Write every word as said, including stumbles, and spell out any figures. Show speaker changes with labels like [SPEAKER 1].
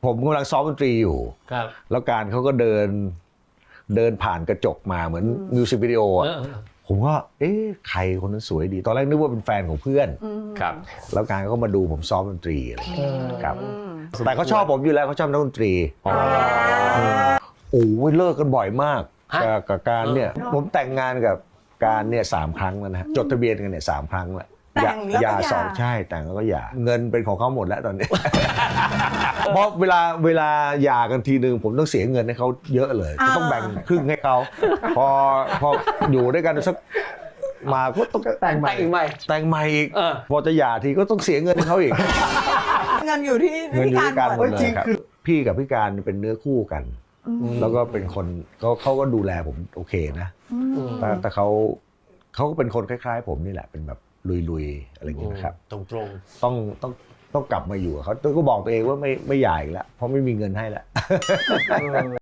[SPEAKER 1] ผมกำลังซ้อมดนตรีอยู่
[SPEAKER 2] ครับ
[SPEAKER 1] แล้วการเขาก็เดินเดินผ่านกระจกมาเหมือนมิวสิกวิดีโออ่ะผมก็เอ๊ะใครคนนั้นสวยดีตอนแรกนึกว่าเป็นแฟนของเพื่อน
[SPEAKER 2] ครับ
[SPEAKER 1] แล้วการก็มาดูผมซ้อมดนตรีอะไรอย่างเงี้ยครับแต่เขาชอบผมอยู่แล้วเขาชอบนักดนตรีโอ้ยเลิกกันบ่อยมากกับการเนี่ยผมแต่งงานกับการเนี่ยสามครั้งแล้วนะฮะจดทะเบียนกันเนี่ยสามครั้งแล้ว
[SPEAKER 3] แต่งแล้วก็หย่า
[SPEAKER 1] สองใช่แต่งแล้วก็หย่าเงินเป็นของเขาหมดแล้วตอนนี้ เพราะเวลาเวลาหย่ากันทีนึงผมต้องเสียเงินให้เขาเยอะเลยก็ต้องแบ่งครึ่งให้เขาพอพออยู่ด้วยกันสักมาก็ต้องแต่งใหม่แต่งใหม่อีกพอจะหย่าทีก็ต้องเสียเงินให้เขาอีก
[SPEAKER 3] เงินอยู่ที่
[SPEAKER 1] เงินอยู่
[SPEAKER 3] ที่
[SPEAKER 1] การหมดเลย
[SPEAKER 3] จริง
[SPEAKER 1] ครับพี่กับพี่การเป็นเนื้อคู่กันแล้วก็เป็นคนเขาเขาก็ดูแลผมโอเคนะแต่แต่เขาเขาก็เป็นคนคล้ายๆผมนี่แหละเป็นแบบลุยๆอะไรอย่างเงี้ยนะครับ
[SPEAKER 2] ตรง
[SPEAKER 1] ๆต้องต้องต้องกลับมาอยู่เขาก็บอกตัวเองว่าไม่ไม่ใหญ่แล้วเพราะไม่มีเงินให้แล้ว